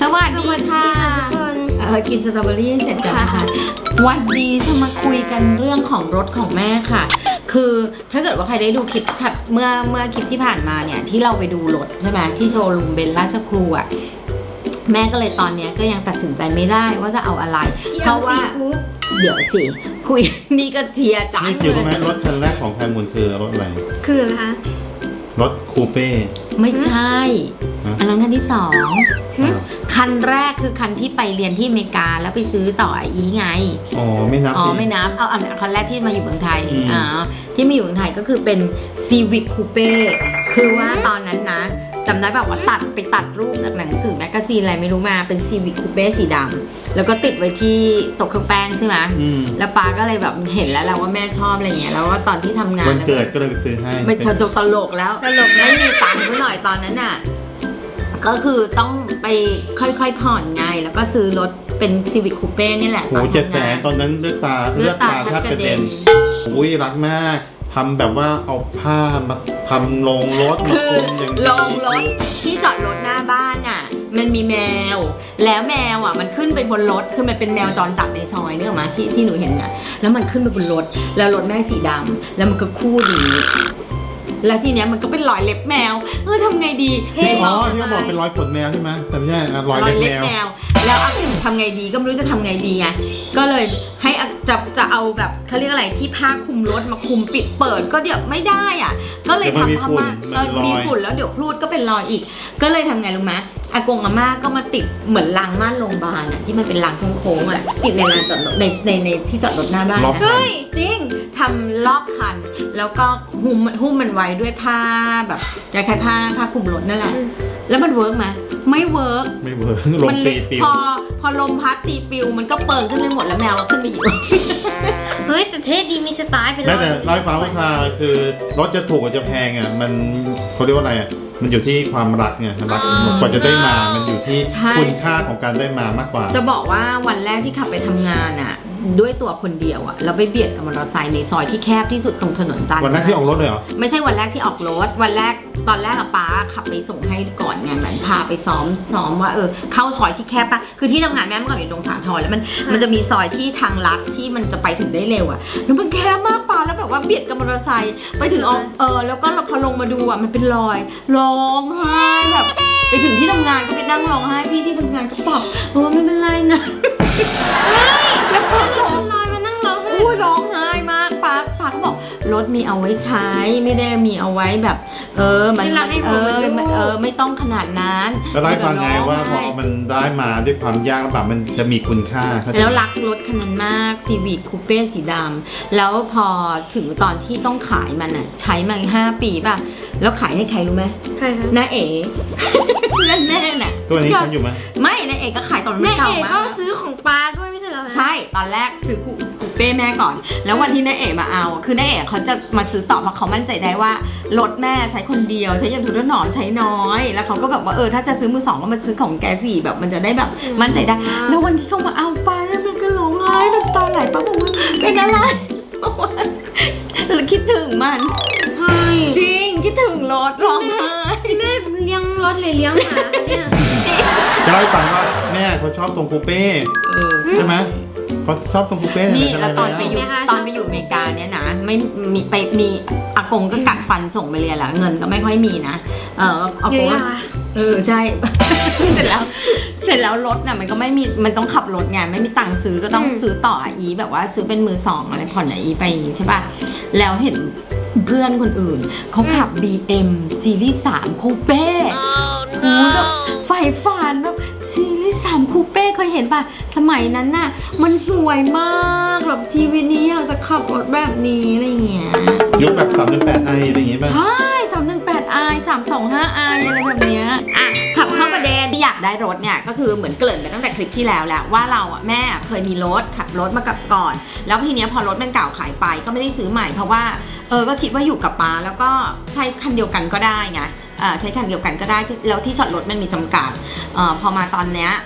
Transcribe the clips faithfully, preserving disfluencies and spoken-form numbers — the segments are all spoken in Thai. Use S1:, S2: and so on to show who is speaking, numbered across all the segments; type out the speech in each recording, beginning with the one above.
S1: วัสดีค่ะเออกินสตรอเบอรี่เสร็จกันนะคะวันนี้จะมาคุยกันเรื่องของรถของแม่ค่ะคือถ้าเกิดว่าใครได้ดูคลิปเมื่อเมื่อคลิปที่ผ่านมาเนี่ยที่เราไปดูรถใช่ไหมที่โชว์รูมเบนราชครูอ่ะแม่ก็เลยตอนนี้ก็ยังตัดสินใจไม่ได้ว่าจะเอาอะไรเพราะว่าเดี๋ยวสิคุยนี่ก็เทียจังเลย
S2: นี่เกี่ยวกับไหมรถคันแรกของแพมูลคือรถอะไร
S3: คืออะไรคะ
S2: รถคูเป้
S1: ไม่ใช่อันนั้นคันที่สองคันแรกคือคันที่ไปเรียนที่อเมริกาแล้วไปซื้อต่ออีไง
S2: อ๋อไม่นับ
S1: อ๋อไม่นับเอาอันคันแรกที่มาอยู่เมืองไทยอ่าที่มาอยู่เมืองไทยก็คือเป็น Civic Coupe คือว่าตอนนั้นนะจำได้แบบว่าตัดไปตัดรูปจากหนังสือแมกกาซีนอะไรไม่รู้มาเป็น Civic Coupe สีดำแล้วก็ติดไว้ที่โต๊ะเครื่องแป้งใช่ไหมแล้วป้าก็เลยแบบเห็นแล้วแหละว่าแม่ชอบอะไรเงี้ยแล้วว่าตอนที่ทำงาน
S2: วันเกิดก็เลยไปซื้อให้
S1: ไม่ตลกตลกแล้วตลกไม่มีตังค์หน่อยตอนนั้นน่ะก็คือต้องไปค่อยๆผ่อนไงแล้วก็ซื้อรถเป็น Civic Coupe นี่แหละ
S2: โอ้เจ็ดแสนตอนนั้นเลือดตาเลือดตาแทบกระเด็นอุ้ยรักมากทำแบบว่าเอาผ้ามาทำลงรถมาคลุมอย่างนี้
S1: ลงรถที่จอดรถหน้าบ้านอ่ะมันมีแมวแล้วแมวอ่ะมันขึ้นไปบนรถคือมันเป็นแมวจรจัดในซอยเนี่ยหรอมาที่ที่หนูเห็นเนี่ยแล้วมันขึ้นไปบนรถแล้วรถแม่สีดำแล้วมันก็คู่ดีแล้วทีเนี้ยมันก็เป็นรอยเล็บแมวเออทำไงดี
S2: อ๋อที่เขาบอกเป็นรอยขนแมวใช่ไหมแต่ไม่ใช่รอยเล็บแมว
S1: แล้วอาทำไงดีก็ไม่รู้จะทำไงดีไงก็เลยให้จะจะเอาแบบเขาเรียกอะไรที่ผ้าคลุมรถมาคลุมปิดเปิดก็เดี๋ยวไม่ได้อ่ะก็เลยทำผ้าม่านมีฝุ่นแล้วเดี๋ยวพรูดก็เป็นรอยอีกก็เลยทำไงรู้ไหมอากงอาม่าก็มาติดเหมือนรางม่านโรงพยาบาลอ่ะที่มันเป็นรางโค้งๆอ่ะติดในลานจอดรถในในในที่จอดรถหน้าบ้านนะเฮ้ยจริงทำรอบคันแล้วก็หุ้มหุ้มมันไว้ด้วยผ้าแบบคล้ายๆผ้าผ้าคลุมรถนั่นแหละแล้วมันเวิร์กไหมไม่เวิร์ก
S2: ไม่เวิร์กลมตีปิว
S1: พอพอลมพัดตีปิวมันก็เปิงขึ้นไปหมดแล้วแมวก็ขึ้นไปอยู่
S3: เฮ้ยแต่เท่ดีมีสไตล์ไปเลย
S2: แต่ร้อยฟ้าราคาคือรถจะถูกกับจะแพงอ่ะมันเขาเรียกว่าอะไรอ่ะมันอยู่ที่ความรักไงรักกว่าจะได้มามันอยู่ที่คุณค่าของการได้มามากกว่า
S1: จะบอกว่าวันแรกที่ขับไปทำงานอ่ะด้วยตัวคนเดียวอ่ะแล้วไปเบียดกับมอเตอร์ไซค์ในซอยที่แคบที่สุดตรงถนนจันทร์
S2: วันแรกที่ออกรถเลยเหรอ
S1: ไม่ใช่วันแรกที่ออกรถวันแรกตอนแรกอะป้าขับไปส่งให้ก่อนไงเหมือนพาไปซ้อมซ้อมว่าเออเข้าซอยที่แคบปะคือที่ทำงานแม่เมื่อก่อนอยู่ตรงสาทรแล้วมันมันจะมีซอยที่ทางลัดที่มันจะไปถึงได้เร็วอะแล้วมันแคบมากป้าแล้วแบบว่าเบียดกับมอเตอร์ไซค์ไปถึงออกเออแล้วก็พอลงมาดูอะมันเป็นรอยร้องไห้แบบไปถึงที่ทำงานก็ไปนั่งร้องไห้พี่ที่ทำงานก็บอกโอ้ไม่เป็นไรนะแล้วพอร้องไห้มานั่งร้องไห้โอ้ยร้องไห้มากป้าป้าก็บอกรถมีเอาไว้ใช้ไม่ได้มีเอาไว้แบบเออมันเออเออไม่ต้องขนาดนั้น
S2: ก็ได้ฟังไงว่าพอมันได้มาด้วยความยากลำบากมันจะมีคุณค่า
S1: แล้วรักรถคันนั้นมาก Civic Coupe สีดำแล้วพอถึงตอนที่ต้องขายมันอ่ะใช้มาห้าปีป่ะแล้วขายให้ใครรู้ไหม
S3: ใครคะ
S1: น้าเอ๋แน่แน่น่ะ
S2: ตัวนี้ทันอยู่ไหม
S1: ไม่น้าเอ๋ก็ขายตอนมันเก่ามาก
S3: น้าเอ๋ก็ซื้อของป้าด้วยไม่ใช่เหรอ
S1: ใช่ตอนแรกซื้อคูเป้แม่ก่อนแล้ววันที่น้าเอ๋มาเอาคือน้าเอ๋เขาจะมาซื้อต่อเพราะเขามั่นใจได้ว่ารถแม่ใช้คนเดียวใช้อย่างทุนหนอนใช้น้อยแล้วเขาก็แบบว่าเออถ้าจะซื้อมือสองก็มาซื้อของแกสี่แบบมันจะได้แบบมั่นใจได้แล้ววันที่เขามาเอาไปมันก็ร้องไห้น้ำตาไหลป้าบอกว่าเป็นอะไรบอกว่าคิดถึงมันจริงคิดถึงรถร้องไห้
S3: แม่เลี้ยงรถเลยเลี้ยงหมาเนี่ย
S2: จะเล่าให้ฟังว่าแม่เขาชอบทรงคูเป้ใช่ไหมเขาชอบทรงคูเป้
S1: นี่แล้วตอนไปอยู่ตอนไปอยู่อเมริกาเนี่ยนะไม่มีไปมีอากงก็กัดฟันส่งไปเรียนแล้วเงินก็ไม่ค่อยมีนะเอออากงเออใช่เสร็จแล้วเสร็จแล้วรถน่ะมันก็ไม่มีมันต้องขับรถไงไม่มีตังค์ซื้อก็ต้องซื้อต่ออีแบบว่าซื้อเป็นมือสองอะไรผ่อนอีไปอย่างงี้ใช่ป่ะแล้วเห็นเพื่อนคนอื่นเขาขับ บี เอ็ม Series สาม Coupe โอ้แบบไฟฝันแบบ Series สาม Coupe เคยเห็นป่ะสมัยนั้นน่ะมันสวยมากแบบชีวิตนี้อยากจะขับรถแบบนี้อะไรเงี้ย
S2: ยุคแบบสามหนึ่งแปดไออะไรอย่างเงี้ยป่ะ
S1: ใช่สามหนึ่งแปดไอสามสองห้าไออะไรแบบเนี้ยอ่ะขับเข้าประเด็นที่อยากได้รถเนี่ยก็คือเหมือนเกริ่นไปตั้งแต่คลิปที่แล้วแหละว่าเราอ่ะแม่เคยมีรถขับรถมากับก่อนแล้วทีเนี้ยพอรถมันเก่าขายไปก็ไม่ได้ซื้อใหม่เพราะว่าเออก็คิดว่าอยู่กับป้าแล้วก็ใช้คันเดียวกันก็ได้ไงใช้คันเดียวกันก็ได้แล้วที่จอดรถมันมีจำกัดอพอมาตอนเนี้ยค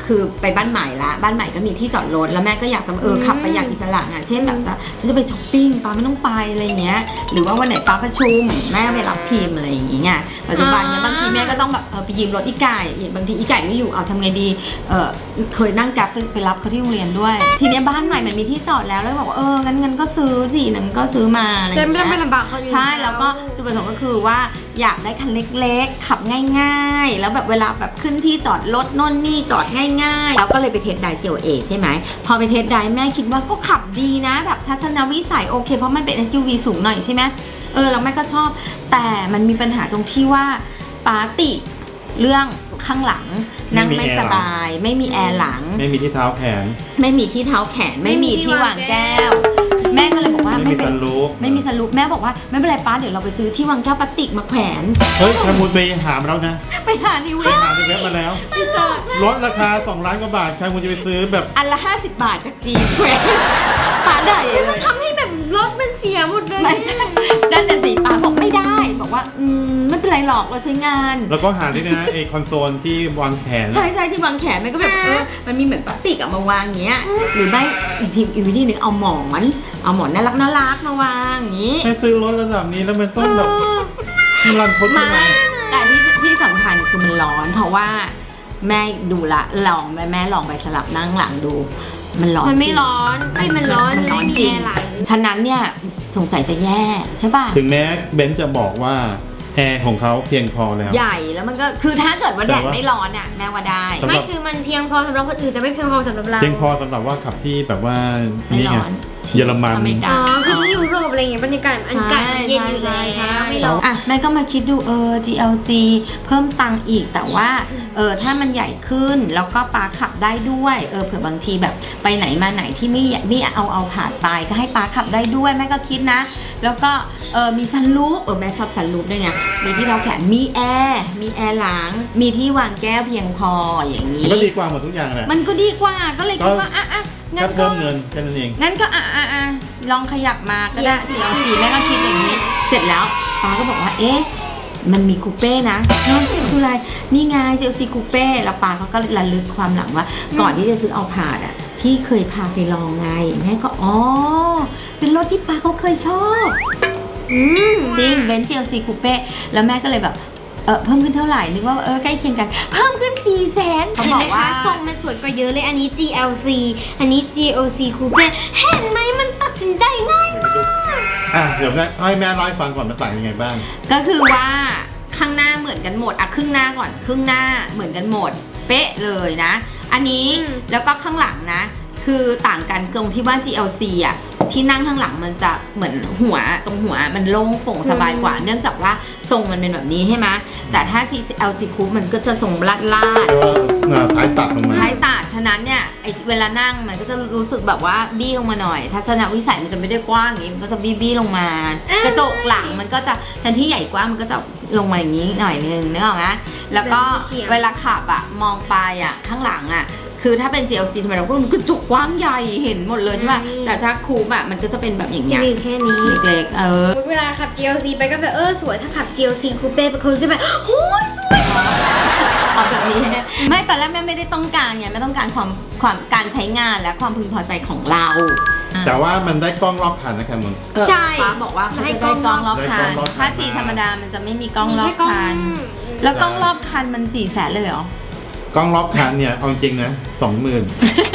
S1: คือไปบ้านใหม่ละบ้านใหม่ก็มีที่จอดรถแล้วแม่ก็อยากจะเออขับไปอย่างอิสระอ่ะเช่นแบบจะฉันจะไปช้อปปิ้งป้าไม่ต้องไปอะไรเงี้ยหรือว่าวันไหนป้าประชุมแม่ไปรับพิมพ์อะไรอย่างเงี้ยปัจจุบันเนี้ยบางทีแม่ก็ต้องแบบเออไปยืมรถอีไก่บางทีอีไก่ไม่อยู่เอาทำไงดีเออเคยนั่งแกร็บไปรับเขาที่โรงเรียนด้วยทีเนี้ยบ้านใหม่มันมีที่จอดแล้วแล้วบอกว่าเอองั้นงั้นก็ซื้อสินั้นก็ซื้อมาอะไรอย่าง
S3: แต่ไม่
S1: เงี้
S3: ต้องไป
S1: ย
S3: ลำบากเขาอยู่
S1: ใช่แล้วก็จุดประสงค์ก็คือว่าอยากได้คันเล็กๆขับง่ายๆแล้วแบบเวลาแบบขึ้นที่จอดรถโน่นนี่จอดง่ายๆแล้วก็เลยไปเทสได จี แอล เอ ใช่ไหมพอไปเทสไดแม่คิดว่าก็ขับดีนะแบบทัศนวิสัยโอเคเพราะมันเป็น เอส ยู วี สูงหน่อยใช่ไหมเออแล้วแม่ก็ชอบแต่มันมีปัญหาตรงที่ว่าปาติเรื่องข้างหลังนั่งไม่สบายไม่มีแอร์หลัง
S2: ไม่มีที่เท้าแขน
S1: ไม่มีที่เท้าแขนไม่มีที่วางแก้วแม่ก็เลยบอกว่า
S2: ไม่มี
S1: เป็น
S2: ซันรูฟ
S1: ไม่มีสรุปแม่บอกว่าไม่เป็นไรป้าเดี๋ยวเราไปซื้อที่วางแก้วพลาสติกมาแขวน
S2: เฮ้ยทางมูลไปหามาแล้วนะ
S1: ไปหาใน
S2: ไป
S1: เว็บ
S2: หาในเว็บมาแล้ว
S1: ไปเจอ
S2: ลดราคาสองล้านกว่าบาททางมูลจะไปซื้อแบบ
S1: อันละห้าสิบบาทจากจีนแขวนป้าได้เลย
S3: ทำให้แบบรถมันเสียหมดเลย
S1: ไม่ใช่ด้านแต่สีป้าบอกไม่ได้บอกว่าอืมไม่เป็นไรหรอกเราใช้งาน
S2: แล้วก็หาด้วยนะไอคอนโซลที่วางแขน
S1: ใช่ใช่ที่วางแขนมันก็แบบเออมันมีเหมือนพลาสติกอะมาวางอย่างเงี้ยหรือไม่อีกทีอีกวิธีหนึ่งเอาหมอนเอาหมอนน่ารักน่ารักมาวางอย่างงี้
S2: ให้ซื้อรถระดับนี้แล้วมันต้องแบบรันทด
S1: มา
S2: ยังไง
S1: แต่ที่ที่สำคัญคือมันร้อน เพราะว่าแม่ดูละลองแม่แม่ลองไปสลับนั่งหลังดู มันร้อน
S3: มันไม่
S1: จง
S3: ร้อนเอ้ยมันร้อน
S1: มันร้อน
S3: ไม่มี
S1: จริง
S3: แอร์หลัง
S1: ฉะนั้นเนี่ยสงสัยจะแย่ใช่ป่ะ
S2: ถึงแม้เบนซ์จะบอกว่าแอร์ของเขาเพียงพอแล้ว
S1: ใหญ่แล้วมันก็คือถ้าเกิดว่าแด
S2: แต่
S1: ด
S2: ว่า
S1: ไม่ร้อนอ่ะแม่ว่าได้
S2: สำหรับ
S3: ไม่คือมันเพียงพอสำหรับคนอื่นแต่ไม่เพียงพอสำหรับเรา
S2: เพียงพอสำหรับว่าขับที่แบบว่า
S1: ไม่
S2: นี่ไง
S1: ร้อน
S2: เยอรมัน
S1: อเมริกา
S3: อ๋อคือที่ยุโรปอะไรอย่างเงี้ยบรรยากาศอากาศมันเย็นอยู่แล้ว
S1: ใช่
S3: ไม่ร้อน
S1: อ่ะแม่ก็มาคิดดูเออ จี แอล ซี เพิ่มตังค์อีกแต่ว่าเออถ้ามันใหญ่ขึ้นแล้วก็ปาขับได้ด้วยเออเผื่อบางทีแบบไปไหนมาไหนที่ไม่ไม่เอาเอาผ่านไปก็ให้ปาขับได้ด้วยแม่ก็คิดนะ แล้วก็เออมีซันรูฟเออแม่ชอบซันรูฟด้วยไงมีที่เราแขนมีแอร์มีแอร์หลังมีที่วางแก้วเพียงพออย่างนี้
S2: มันก็ดีกว่าหมดทุกอย่างแหละ
S1: มันก็ดีกว่าก็เลยคิดว่าอ่ะอ่ะงั้
S2: แค่
S1: นก็
S2: เพิ่มเงินแค่นั้นเอง
S1: งั้นก็อ่ะอ่ะอ่ะลองขยับมาก็ได้ จี แอล ซี แม่ก็คิดอย่างนี้ เสร็จแล้วป้าก็บอกว่าเอ๊ะมันมีคูเป้นะน้องคืออะไรนี่ไง จี แอล ซี คูเป้แล้วป้าเขาก็ระลึกความหลังว่า ก่อนที่จะซื้อเอาผาดอ่ะที่เคยพาไปลองไงแม่ก็อ๋อเป็นรถที่ป้าเขาเคยชอบจริงเบนซ์ จี แอล ซี คูเป้แล้วแม่ก็เลยแบบเออเพิ่มขึ้นเท่าไหร่นึกว่าเออใกล้เคียงกันเพิ่มขึ้นสี่แสนเขา
S3: เห็น
S1: บอ
S3: ไหม
S1: กว่า
S3: คะทรงมันสวยกว่าเยอะเลยอันนี้ จี แอล ซี อันนี้ จี แอล ซี Coupe เห็นไหมมันตัดสินใจง่าย
S2: อ่ะเดี๋ยวแม่ให้แม่เล่าให้ฟังก่อนมันต่างยังไงบ้าง
S1: ก็คือว่าข้างหน้าเหมือนกันหมดอะครึ่งหน้าก่อนครึ่งหน้าเหมือนกันหมด เป๊ะเลยนะ อันนี้แล้วก็ข้างหลังนะ คือต่างกันตรงที่ว่า จี แอล ซี อะที่นั่งข้างหลังมันจะเหมือนหัวตรงหัวมันโล่งโปร่งสบายกว่า เนื่องจากว่าทรงมันเป็นแบบนี้ใช่ไหมแต่ถ้า จี แอล ซี Coupe มันก็จะทรงลาดลาด
S2: เรียกว่าเอ่อท้ายตัดลงมา
S1: ท้ายตาดฉะนั้นเนี่ยไอเวลานั่งมันก็จะรู้สึกแบบว่าบี้ลงมาหน่อย ทัศนวิสัยมันจะไม่ได้กว้างอย่างนี้มันก็จะบี้บี้ลงมา กระจกหลังมันก็จะแทนที่ใหญ่กว้างมันก็จะลงมาอย่างนี้หน่อยนึงนึกออกไหมแล้วก็เวลาขับอะมองไปอะข้างหลังอะคือถ้าเป็น จี แอล ซี ทำไมเราก็มันกระจกกว้างใหญ่เห็นหมดเลยใช่ป่ะแต่ถ้าคูปอะมันก็จะเป็นแบบอย่างเงี้ย
S3: มีแค่นี้
S1: เล็กๆเออ
S3: เวลาขับ จี แอล ซี ไปก็แบบเออสวยถ้าขับ จี แอล ซี Coupe ไปคนจะแบบโอ้ยสวย
S1: เอาแบบนี้ไม่แต่แรกแม่ไม่ได้ต้องการไงไม่ต้องการความความการใช้งานและความพึงพอใจของเรา
S2: แต่ว่ามันได้กล้องรอบคันนะครับมึง
S1: เออ
S3: ใช่
S1: ฟ้าบอกว่าเขาจะได้กล้องรอบคั
S2: ได้กล้
S1: น
S2: องรอบคัน
S1: ถ้าสีธรรมดามันจะไม่มีกล้องรอบ
S3: แค่กล้อง
S1: คัน แล้วกล้องรอบคันมันสี่แสนเลยเหรอ
S2: กล้องรอบคันเนี่ยเอาจริงนะสองหมื่น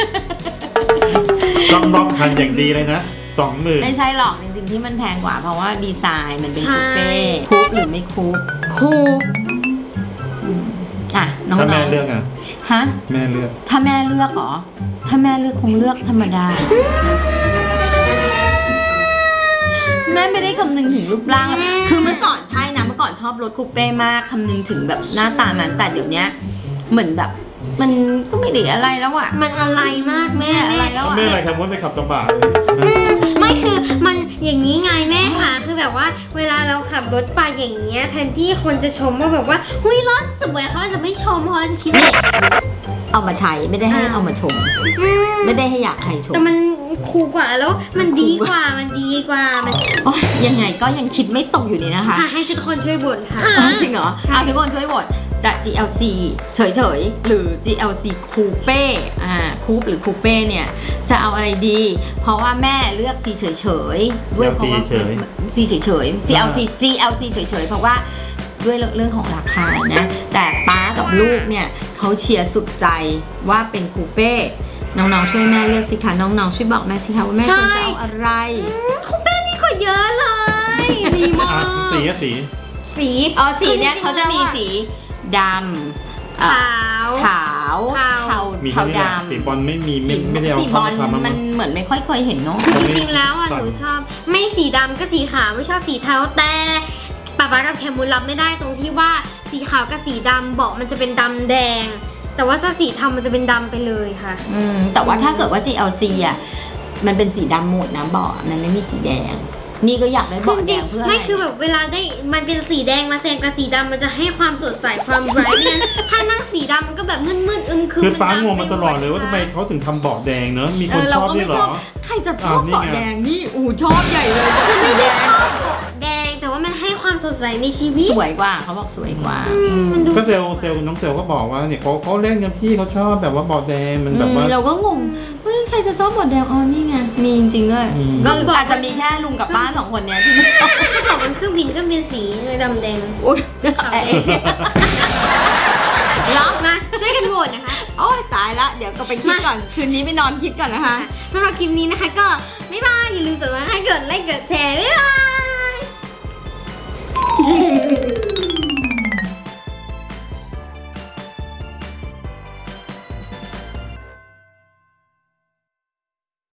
S2: กล้องรอบคันอย่างดีเลยนะสองหมื่น
S1: ไม่ใช่หรอกจริงๆที่มันแพงกว่าเพราะว่าดีไซน์มันเป็น
S3: ใช่
S1: คูเป้คูปหรือไม่คูป
S3: คูป
S1: อืมอ่ะน้อง
S2: ถ้า
S1: ๆ
S2: แม่เลือกอ่ะ
S1: ฮะ
S2: แม่เลือก
S1: ถ้าแม่เลือกเหรอถ้าแม่เลือกคงเลือกธรรมดา แม่ไม่ได้คำนึงถึงรูปร่างอะคือเมื่อก่อนใช่นะเมื่อก่อนชอบรถคูเป้มากคำนึงถึงแบบหน้าตามันแต่เดี๋ยวนี้เหมือนแบบมันก็ไม่ได้อะไรแล้วอะ
S3: มันอะไรมากแม่
S1: อะ
S3: แม่
S1: ไรแล้วอะ
S2: ไม่อะไรครับว่าไปขับกระบะ
S3: อืมไม่คือมันอย่างนี้ไงแม่ค่ะคือแบบว่าเวลาเราขับรถไปอย่างเงี้ยแทนที่คนจะชมว่าแบบว่าหุยรถสวยเขาจะไม่ชมเพราะจะคิดว่า
S1: เอามาใช้ไม่ได้ให้
S3: อ้าว
S1: เอามาชม
S3: อืม
S1: ไม่ได้ให้อยากใครชม
S3: แต่มันคูลกว่าแล้วมันดีกว่ามันดีกว่ามัน
S1: โอ๊ยยังไงก็ยังคิดไม่ตกอยู่ดีนะคะ
S3: ค่ะให้ทุกคนช่วยบ่นค่ะ
S1: อ๋อจริงเหรอ
S3: ใช่
S1: เอาทุกคนช่วยโหวตจะ จี แอล ซี เฉยๆ หรือ จี แอล ซี Coupe อ่า Coupe หรือ Coupe เนี่ยจะเอาอะไรดี เพราะว่าแม่เลือก C เฉยๆด้วยเพราะว่า C เฉยๆ จี แอล ซี จี แอล ซี เฉยๆเพราะว่าด้วยเรื่องของราคานะแต่ป้ากับลูกเนี่ยเขาเชียร์สุดใจว่าเป็นคูเป้น้องๆช่วยแม่เลือกสิคะน้องๆช่วยบอกแม่สิคะว่าแม่ควรจะเอาอะไร
S3: คูเป้นี่ก็เยอะเลยดีมา
S2: อ่ะ
S3: ก
S2: สีอะสี
S3: สี
S1: อ๋อสีเนี่ยเขาจะมีสีดำ
S3: ขาว
S1: ขาวเทา
S2: มี
S1: เทา
S2: แค่นี้แหละ
S1: ดำ
S2: สีบอลไม่มีไม่ไม่ได้เอา
S1: สีบ
S2: เข้า
S1: อล
S2: มาทำ
S1: มันเหมือนไม่ค่อยเคยเห็นเนาะ
S3: จริงๆแล้วอ่ะหนูชอบไม่สีดำก็สีขาวไม่ชอบสีเทาแต่ป๊าป๊ากับแคมูลรับไม่ได้ตรงที่ว่าสีขาวกับสีดำเบาะมันจะเป็นดำแดง แต่ว่าถ้าสีเทามันจะเป็นดำไปเลยค่ะ
S1: อืมแต่ว่าถ้าเกิดว่า จี แอล ซี อ่ะมันเป็นสีดำหมดนะเบาะมันไม่มีสีแดง นี่ก็อยากได้
S3: คือ
S1: เบาะ
S3: จ
S1: แด
S3: ริง
S1: งเพื่อ
S3: ๆ
S1: อะไร
S3: ไม่คือแบบเวลาได้มันเป็นสีแดงมาแซมกับสีดำมันจะให้ความสดใสความไบรท์เนี่ยถ้านั่งสีดำมันก็แบบมืดๆอึมครึม
S2: คือฟ้า
S3: ดำ
S2: งงมาตลอดเลยว่าทำไมเขาถึงทำเบาะแดงเนอะมีค
S1: เอน อ
S2: ช
S1: เรา
S2: อบ
S1: ก็
S2: ด้ว
S1: ไม่
S2: ยเหร
S1: ชอ
S2: อ
S1: บใครจะชอบ
S2: อ่านี่
S1: เบาะ
S2: ไง
S1: แดงนี่อู้ชอบใหญ่เลย
S3: คือไม่
S1: แด
S3: ได้
S1: ง
S3: ชอบเบาะแดงแต่ว่ามันให้ความสดใสในชีวิต
S1: สวยกว่าเขาบอกสวยกว่า
S3: อืมมันดู
S2: ก็เซลลเซลลน้องเซลลก็บอกว่าเนี่ยเขาเขาเล่นกันพี่เขาชอบแบบว่าเบาะแดงมันแบบว่า
S1: อืมเราก็งงเฮ้ยใครจะชอบเบาะแดงอ๋อนี่ไงมีจริงๆด้วย
S2: อืม
S1: ก็อาจจะมีแค่ลุงกับป้าสองคนเนี้ยที่ไม่ชอบ
S3: ก็บอกมันเครื่องบินก็เป็นสีดำแดง
S1: อุ้ยเอ๊ะเอ๊ะ
S3: ล็อกนะช่วยกันโหวตนะคะ
S1: โอ้ยตายละเดี๋ยวก็ไปคิดก่อน คืนนี้ไปนอนคิดก่อนนะคะ
S3: สำหรับคลิปนี้นะคะก็บ๊ายบายอย่าลืมกดไลค์กดไลค์กดแชร์บ๊ายบาย